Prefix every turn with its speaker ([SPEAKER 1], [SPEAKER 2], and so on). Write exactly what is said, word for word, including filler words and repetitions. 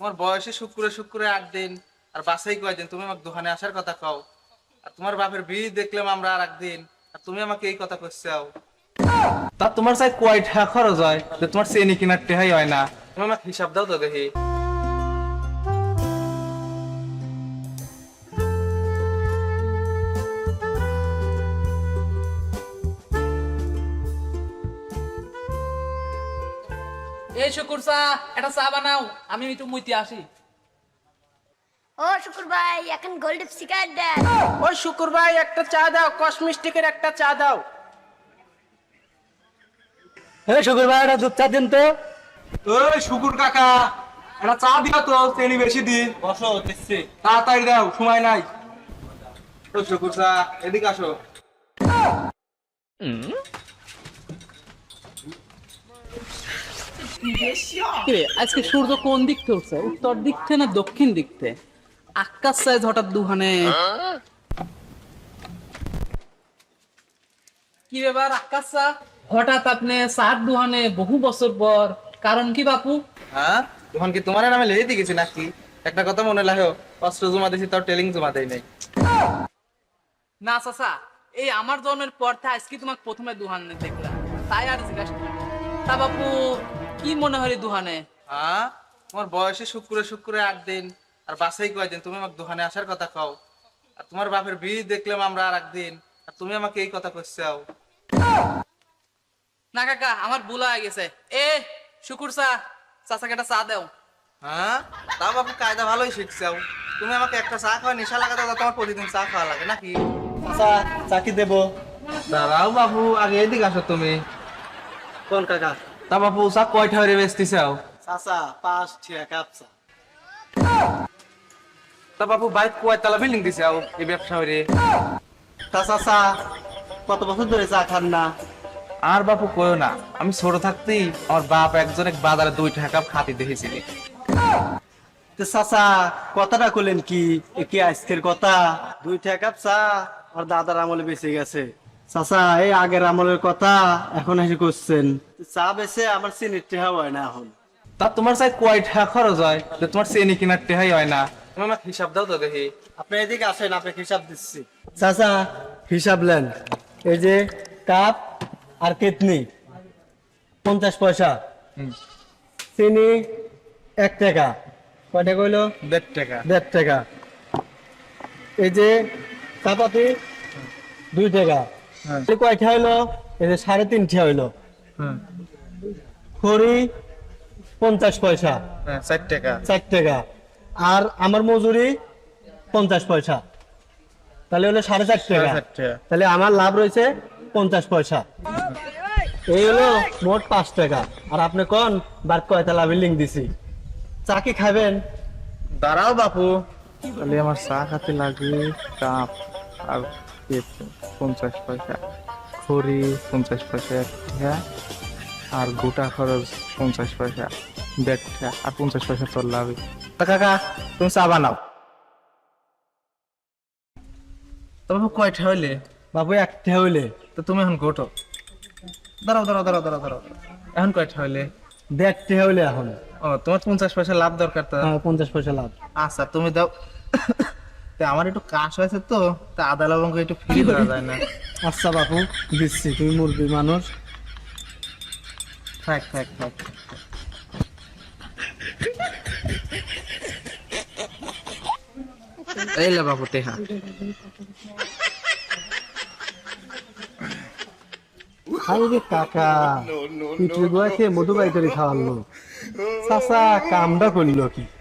[SPEAKER 1] তোমার বয়সে শুক্রে শুক্রে আট দিন আর বাসাই কয়দিন, তুমি আমাকে দোকানে আসার কথা কও। আর তোমার বাপের বিয়ে দেখলাম আমরা আর একদিন, আর তুমি আমাকে এই কথা কইছাও। তা তোমার চাই কয় টাকা খরচ হয় যে তোমার চেনি কিনার টেহাই হয় না? তুমি আমাকে হিসাব দাও তো দেখি।
[SPEAKER 2] এই শুকুর চা, একটা চা বানাও, আমি একটু মুইতে আসি।
[SPEAKER 3] ও শুকুর ভাই, এখন গোল্ড সিগারেট দেন।
[SPEAKER 4] ওই শুকুর ভাই একটা চা দাও, কসমিস্টিকের একটা চা দাও।
[SPEAKER 5] এই শুকুর ভাই একটা দুধ চা দিন তো।
[SPEAKER 1] ওই শুকুর কাকা, একটা চা দিও তো, চেনি বেশি দি। বসো, দিচ্ছি। তাড়াতাড়ি দাও, সময় নাই। ও শুকুর চা, এদিকে আসো।
[SPEAKER 2] কিরে, আজকে সূর্য কোন দিক থেকে উঠছে? উত্তর দিক থেকে না দক্ষিণ দিক থেকে? আকাশ সাইজ হঠাৎ দুহানে। কি ব্যাপার আকাশ চা, হঠাৎ আপনি চার দুহানে বহু বছর পর? কারণ কি বাপু?
[SPEAKER 1] হ্যাঁ, তখন কি তোমার নামে লিখে দিয়ে গেছি নাকি? একটা কথা মনে রাখো, অস্ত্র জমা দিয়েছি তাও টেলিং জমা দেয় নাই।
[SPEAKER 2] না চাচা, এই আমার জন্মের পর থেকে আজকে তোমাকে প্রথমে দুহানে দেখলাম, তাই আর জিজ্ঞাসা করলাম। তা বাপু কি মনে হয় দুহানে?
[SPEAKER 1] হ্যাঁ, তোমার বয়সে শুক্রে শুক্রে আট দিন আর বাসাই কয়দিন, তুমি আমাকে দোকানে আসার কথা কও। আর তোমার বাপের বিয়ে দেখলাম আমরা আর একদিন, আর তুমি আমাকে এই কথা কইছাও।
[SPEAKER 2] না কাকা, আমার ভুল হয়ে গেছে। এ শুকুর চা, চাচাকে একটা চা দাও।
[SPEAKER 1] হ্যাঁ, তাও বাপু কায়দা ভালোই শিখছাও। তুমি আমাকে একটা চা খাওয়া নেশা লাগাতে, তোমার প্রতিদিন চা খাওয়া লাগে নাকি?
[SPEAKER 5] চা চা কি দেবো?
[SPEAKER 1] দাঁড়াও বাবু, আগে এদিকে আসো তুমি।
[SPEAKER 5] কোন কাকা?
[SPEAKER 1] তা বাপু চা কয়টা হয়ে বেচতেছাও?
[SPEAKER 5] চাচা পাঁচ ঠিয়া কাপ চা।
[SPEAKER 1] তা বাপু বাইক কয়তলা বিল্ডিং দিছাও এই ব্যবসা হইরে?
[SPEAKER 5] তা চাচা কত বছর ধরে চা খান না?
[SPEAKER 1] আর বাপু কইও না, আমি ছোট থাকতেই আমার বাপ একজন এক বাজারে দুই টাকা কাপ খাতি দেখেছিলি।
[SPEAKER 5] তো চাচা কথাটা কইলেন কি? এ কি আজকের কথা? দুই ঠিয়া কাপ চা আর দাদার আমলে বেঁচে গেছে। চাচা এই আগের আমলের কথা এখন এসে করছেন। চা বেচে আমার চিনির টেহা হয় না এখন।
[SPEAKER 1] তা তোমার চাই কয় টাকা খরচ হয় যে তোমার চেনি কিনার টেহাই হয় না? তুমি আমাকে হিসাব দাও তো দেখি।
[SPEAKER 5] আপনি এদিকে আসেন, আপনাকে হিসাব দিচ্ছি। চাচা হিসাব নেন। এই যে কাপ আর কেতনি পঞ্চাশ পয়সা, চিনি এক টাকা। কয়টা কইলো?
[SPEAKER 1] দেড় টাকা।
[SPEAKER 5] দেড় টাকা। এই যে চাপাতি দুই টাকা। কয়টা হইলো? এই যে সাড়ে তিনটা হইলো। খড়ি পঞ্চাশ পয়সা,
[SPEAKER 1] হ্যাঁ, চার টাকা।
[SPEAKER 5] চার টাকা। আর আমার মজুরি পঞ্চাশ পয়সা, তাহলে হলো সাড়ে চার টাকা। তাহলে আমার লাভ রয়েছে পঞ্চাশ পয়সা। এই হলো মোট পাঁচ টাকা। আর আপনি কোন বার কয়তলা বিল্ডিং দিছি? চা কি খাবেন?
[SPEAKER 1] দাঁড়াও বাপু, তাহলে আমার চা খাতে লাগে কাপ আর পঞ্চাশ পয়সা, খড়ি পঞ্চাশ পয়সা এক টাকা, আর গোটা খরচ পঞ্চাশ পয়সা দেড় টাকা, আর পঞ্চাশ পয়সা তোর লাভ। কাকা তুমি চা বানাও। তো বাবু কয়টা হইলে?
[SPEAKER 5] বাবু একটা হইলে।
[SPEAKER 1] তো তুমি এখন গোটো। দাঁড়াও দাঁড়াও দাঁড়াও দাঁড়াও দাঁড়াও, এখন কয়টা হইলে?
[SPEAKER 5] দেড়টা হইলে এখন।
[SPEAKER 1] ও, তোমার পঞ্চাশ পয়সা লাভ দরকার তো।
[SPEAKER 5] হ্যাঁ, পঞ্চাশ পয়সা লাভ।
[SPEAKER 1] আচ্ছা তুমি দাও। তা আমার একটু কাশ হয়েছে তো, তা আদা লবঙ্গ একটু ফ্রি করা যায় না?
[SPEAKER 5] আচ্ছা বাবু দিচ্ছি, তুমি মুরগি মানুষ।
[SPEAKER 1] থাক থাক থাক। এই লে বাবু টেহা।
[SPEAKER 5] আরে কাকা পিঠে গোয়া খেয়ে মধু বাই করে খাওয়ালো। চাচা কামটা করলো কি?